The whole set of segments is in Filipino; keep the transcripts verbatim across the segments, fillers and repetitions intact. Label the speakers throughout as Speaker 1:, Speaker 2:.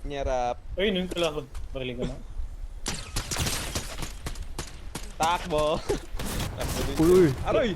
Speaker 1: Nyarap.
Speaker 2: Ay, nung kalaban. Bariling ko na.
Speaker 1: Takbo. Takbo din.
Speaker 3: Uy, uy.
Speaker 1: Aroy!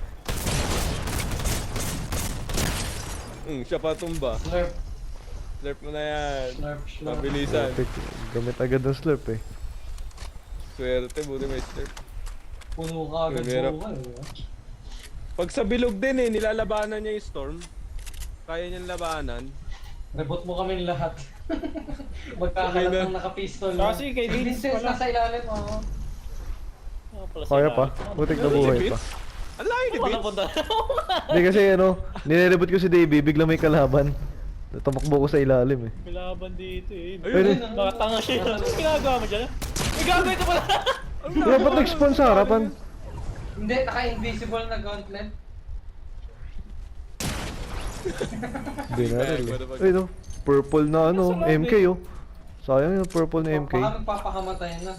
Speaker 1: Hmm, siya pa tumba.
Speaker 4: Slurp,
Speaker 1: Slurp mo na yan.
Speaker 4: slurp, slurp.
Speaker 1: Mabilisan.
Speaker 3: Perfect. Gamit agad ng slurp eh.
Speaker 1: Swerte, buti may slurp.
Speaker 4: Puno ka agad
Speaker 1: Mahirap.
Speaker 4: buwan. eh.
Speaker 1: Pag sa bilog din eh, nilalabanan niya yung storm. Kaya niyang labanan.
Speaker 4: Rebot mo kami lahat. Magkakalat ng naka-pistol.
Speaker 2: Kasi kay
Speaker 4: Si
Speaker 2: Vince
Speaker 4: Vincent
Speaker 2: pala.
Speaker 4: nasa ilalim, oh.
Speaker 2: Ah, pala
Speaker 3: Kaya
Speaker 2: sila.
Speaker 3: pa. Putik na buhay pa.
Speaker 1: Ang layo ni
Speaker 2: Wala
Speaker 1: Vince.
Speaker 2: punta.
Speaker 3: Hindi kasi ano, nirerebot ko si Davey, bigla may kalaban. Tumakbo ko sa ilalim eh.
Speaker 2: May laban dito eh.
Speaker 1: Ayun.
Speaker 4: Ayun,
Speaker 2: Nakatanga siya. Ano ginagawa mo dyan? May gagawin ka pala!
Speaker 3: Kaya ba't nag-spawn sa harapan?
Speaker 4: Hindi, naka-invisible na gauntlet.
Speaker 3: Hindi na rin eh. Ay no, purple na ano, M K oh. Sayang yung purple na M K.
Speaker 4: Baka magpapakamatay na.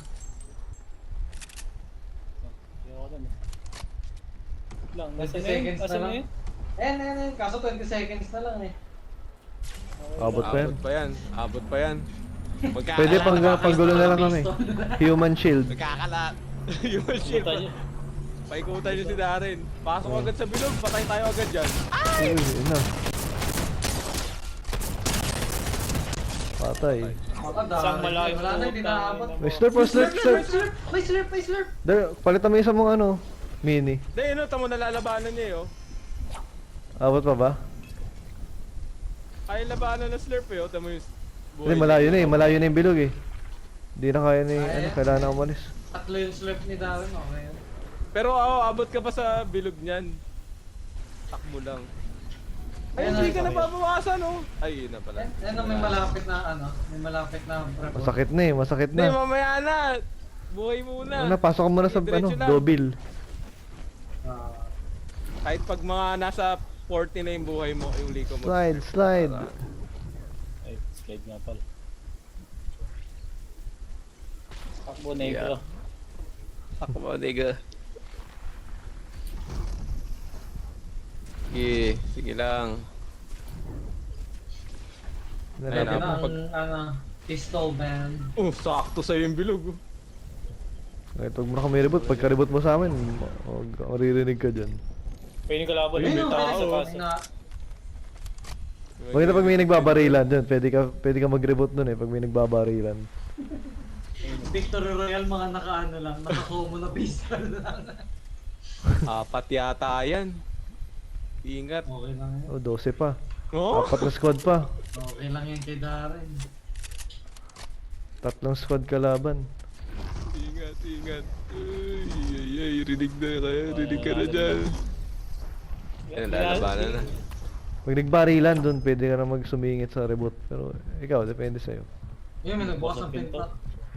Speaker 2: Ayoko dun eh. Lang, nasa
Speaker 4: twenty
Speaker 2: na yun?
Speaker 4: seconds na
Speaker 2: Nasa na
Speaker 4: lang.
Speaker 2: yun?
Speaker 4: Ayan, ayan, ayan. Kaso twenty seconds na lang eh.
Speaker 3: Abot pa yan.
Speaker 1: Abot pa yan. Abot pa yan. Magkakalat.
Speaker 3: Pwede pang panggulo na lang kami. Human shield.
Speaker 1: Magkakalat. Yung shield.
Speaker 2: Puta niya.
Speaker 1: Paikutan niyo si Darren. Pasok agad sa bilog. Patay tayo agad dyan.
Speaker 3: Ay, yun na. Patay.
Speaker 4: Makadami.
Speaker 2: Isang malaking
Speaker 4: Wala na, hindi
Speaker 2: puta.
Speaker 4: naabot.
Speaker 3: May slurp, oh, slurp,
Speaker 4: May
Speaker 3: slurp.
Speaker 4: slurp! May slurp! May slurp!
Speaker 3: There, palitan mo yung isang mong ano, mini.
Speaker 1: Hindi, ano, tamo nalalabanan niya eh, oh.
Speaker 3: Abot pa ba?
Speaker 1: Kaya labanan ng slurp eh, oh. Tamo yung buhay.
Speaker 3: Hindi, malayo na eh, malayo na yung bilog eh. Hindi na kaya ni,
Speaker 4: Kaya.
Speaker 3: ano, kailangan na umalis.
Speaker 4: Tatlo yung slurp ni Darren, okay yun.
Speaker 1: Pero oh, abot ka pa sa bilog niyan. Takbo lang. Ay,
Speaker 4: Ayan
Speaker 1: hindi
Speaker 4: na,
Speaker 1: ka
Speaker 4: okay.
Speaker 1: nababawasan, oh. Ay, yun na pala.
Speaker 4: Ayan, may malapit na ano, may malapit na report.
Speaker 3: Masakit na eh, masakit
Speaker 1: Hindi,
Speaker 3: na.
Speaker 1: mamaya na. Buhay muna.
Speaker 3: Ano, pasok ka muna sa, ano,
Speaker 1: Diretso lang.
Speaker 3: double.
Speaker 4: Ah,
Speaker 1: Kahit pag mga nasa forty na yung buhay mo, yung liko mo.
Speaker 3: Slide, slide.
Speaker 2: Ay, slide nga pala. Takbo na yun
Speaker 1: Yeah.
Speaker 2: ko.
Speaker 1: Takbo, nigga. Sige, sige lang. Ayun,
Speaker 4: Yan
Speaker 1: ah,
Speaker 4: ang,
Speaker 1: pag-
Speaker 4: ano, pistol band.
Speaker 1: Oh, sakto sa'yo yung bilog. oh.
Speaker 3: Kahit huwag mo na kami reboot, pagka reboot mo sa amin, ma- maririnig ka dyan.
Speaker 2: Pwede ka laban.
Speaker 4: Ayun,
Speaker 2: May
Speaker 4: oh,
Speaker 2: tao
Speaker 4: may
Speaker 2: sa
Speaker 4: nag-
Speaker 2: paso.
Speaker 4: na,
Speaker 3: Huwag na pag may nagbabarilan dyan, pwede ka, pwede ka mag-reboot dun eh, pag may nagbabarilan.
Speaker 4: Victory Royale, mga naka-ano lang, naka-combo na pistol lang.
Speaker 1: Apat yata yan. Ingat.
Speaker 4: Okay lang yan.
Speaker 3: Oh, twelve pa.
Speaker 1: Oh?
Speaker 3: Apat na squad pa.
Speaker 4: Okay lang yan kay Darren.
Speaker 3: Tatlong squad kalaban.
Speaker 1: Ingat, ingat. Ay, ay, ay, rinig na kayo. Rinig ka na dyan. Yan, lalabanan na.
Speaker 3: Pag nagbarilan dun, pwede ka na magsumingit sa reboot. Pero ikaw, depende sa'yo.
Speaker 4: Yun, may nagbukas ng
Speaker 2: Pinto.
Speaker 4: pinto.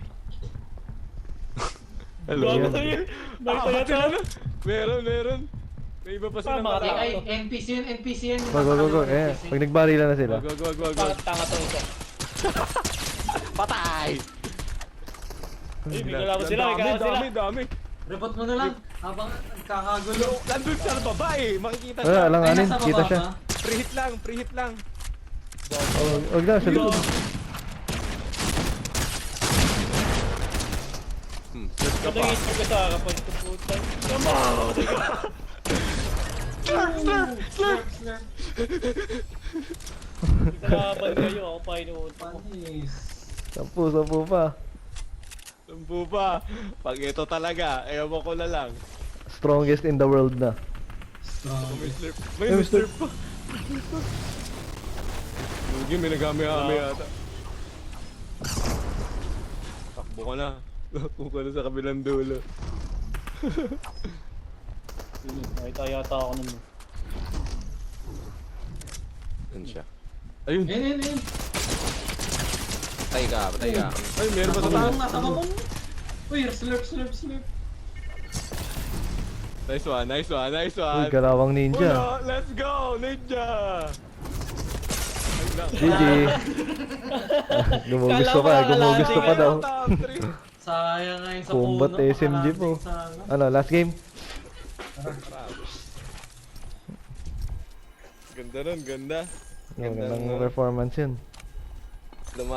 Speaker 1: Hello?
Speaker 2: Gago sa'yo. Nakita
Speaker 1: Ah,
Speaker 2: yata ano?
Speaker 1: Meron, meron. May iba pa silang
Speaker 2: Tama,
Speaker 4: Ay,
Speaker 2: tama.
Speaker 4: ay, N P C yun, N P C yun.
Speaker 3: Go, go, go, go. Eh, pag nagbarilan na sila.
Speaker 1: Wag, wag, wag, wag, wag.
Speaker 2: Bakit tanga to isa?
Speaker 1: Patay!
Speaker 2: Ay, may kalaban sila, may
Speaker 1: Dami,
Speaker 2: kalaban sila.
Speaker 1: dami, dami.
Speaker 4: Report mo na lang, habang nagkakagulo.
Speaker 1: Nandun sa baba eh. Makikita
Speaker 3: Wala,
Speaker 1: siya.
Speaker 3: alang
Speaker 4: Ay,
Speaker 3: anin,
Speaker 4: nasa
Speaker 3: kita
Speaker 4: baba
Speaker 3: siya.
Speaker 4: ba?
Speaker 1: Pre-hit lang, pre-hit lang.
Speaker 3: Oh, wag na, sa likod.
Speaker 1: Hmm, search ka pa.
Speaker 2: Patangit ko sa kapag tuputan. Come on!
Speaker 1: Slurp, slurp, slurp.
Speaker 4: Slurp,
Speaker 2: Kalaban kayo, ako pa inuunta ko.
Speaker 4: panis.
Speaker 3: Sampu, sampu pa.
Speaker 1: Sampu pa. Pag ito talaga, ewan ko na lang.
Speaker 3: Strongest in the world na.
Speaker 4: Strong.
Speaker 1: May slurp. May
Speaker 3: May
Speaker 1: slurp pa. Lugi, may nagami-ami yata. Takbo ka na. Takbo ka na sa kabilang dulo.
Speaker 2: Yun, nakita yata ako nun.
Speaker 1: Yan siya. Ayun.
Speaker 4: Ayun, ayun, ayun.
Speaker 1: Patay ka, patay ka. Ay, meron pa sa
Speaker 4: Nasa
Speaker 1: taas.
Speaker 4: mamong, nasa mamong. Uy, slurp, slurp, slurp.
Speaker 1: Nice one, nice one, nice
Speaker 3: Uy,
Speaker 1: one.
Speaker 3: kalawang ninja.
Speaker 1: Uno, let's go, ninja! Ay, lang.
Speaker 3: G G. Gumugusto ka, gumugusto pa daw.
Speaker 1: Top three.
Speaker 4: Sayang nga yun sa
Speaker 3: Combat
Speaker 4: puno.
Speaker 3: S M G po.
Speaker 4: makalanding sa ano.
Speaker 3: Ano, last game?
Speaker 1: Ganda nun, ganda.
Speaker 3: Yung magandang performance yun.